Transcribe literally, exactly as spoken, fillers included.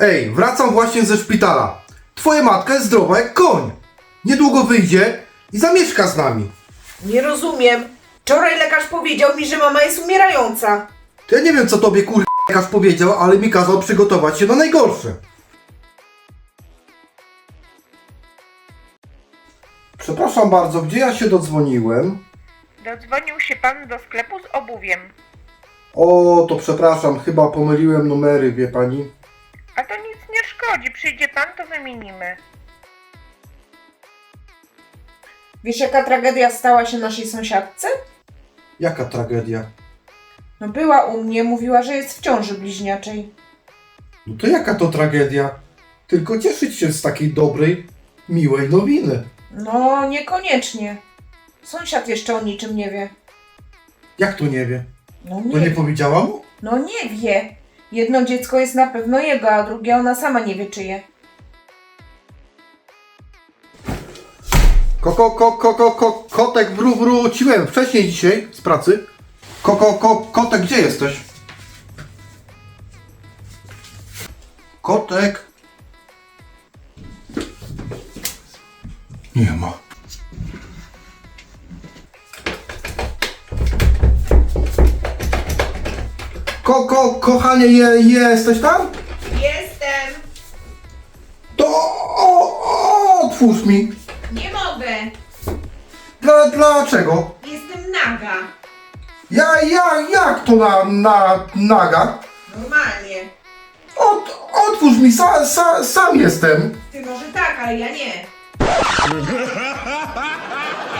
Ej, wracam właśnie ze szpitala. Twoja matka jest zdrowa jak koń. Niedługo wyjdzie i zamieszka z nami. Nie rozumiem. Wczoraj lekarz powiedział mi, że mama jest umierająca. To ja nie wiem, co tobie kur... lekarz powiedział, ale mi kazał przygotować się na najgorsze. Przepraszam bardzo, gdzie ja się dodzwoniłem? Dodzwonił się pan do sklepu z obuwiem. O, to przepraszam, chyba pomyliłem numery, wie pani. A to nic nie szkodzi, przyjdzie pan, to wymienimy. Wiesz, jaka tragedia stała się naszej sąsiadce? Jaka tragedia? No była u mnie, mówiła, że jest w ciąży bliźniaczej. No to jaka to tragedia? Tylko cieszyć się z takiej dobrej, miłej nowiny. No, niekoniecznie. Sąsiad jeszcze o niczym nie wie. Jak to nie wie? No To nie, nie powiedziała mu? no nie wie. Jedno dziecko jest na pewno jego, a drugie ona sama nie wie czyje. Koko, ko, ko, ko, ko, kotek, wró, wróciłem wcześniej dzisiaj z pracy. Koko, ko, kotek, gdzie jesteś? Kotek. Nie ma. Koko, kochanie, je, jesteś tam? Jestem! To o, o, otwórz mi. Nie mogę! Dla, dlaczego? Jestem naga! Ja, ja, jak to na, na, naga? Normalnie. Ot, otwórz mi, sa, sa, sam jestem. Ty może tak, ale ja nie.